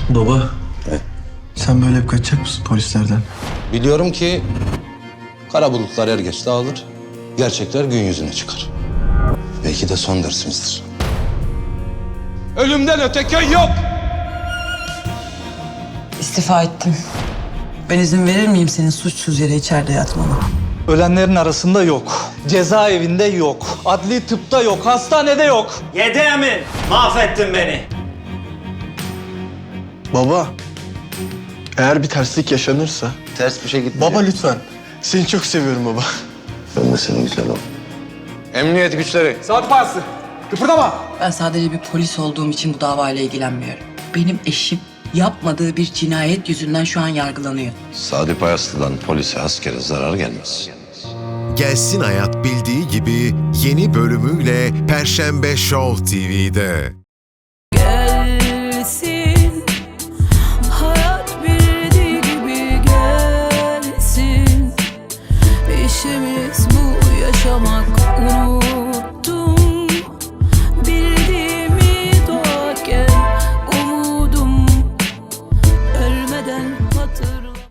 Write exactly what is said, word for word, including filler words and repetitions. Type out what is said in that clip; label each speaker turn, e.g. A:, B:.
A: Baba,
B: Evet.
A: sen böyle hep kaçacak mısın polislerden?
B: Biliyorum ki kara bulutlar er geç dağılır, gerçekler gün yüzüne çıkar. Belki de son dersimizdir. Ölümden öte köy yok!
C: İstifa ettim. Ben izin verir miyim senin suçsuz yere içeride yatmana?
D: Ölenlerin arasında yok. Cezaevinde yok. Adli tıpta yok. Hastanede yok.
E: Yedi Emin, mahvettin beni.
A: Baba, eğer bir terslik yaşanırsa...
B: Ters bir şey gitmeyecek.
A: Baba lütfen, seni çok seviyorum baba.
B: Ben de senin güzel oğlum. Emniyet güçleri.
C: Ben sadece bir polis olduğum için bu davayla ilgilenmiyorum. Benim eşim yapmadığı bir cinayet yüzünden şu an yargılanıyor.
B: Sadi Payaslı'dan polise, askere zarar gelmez.
F: Gelsin Hayat bildiği gibi yeni bölümüyle Perşembe Show T V'de.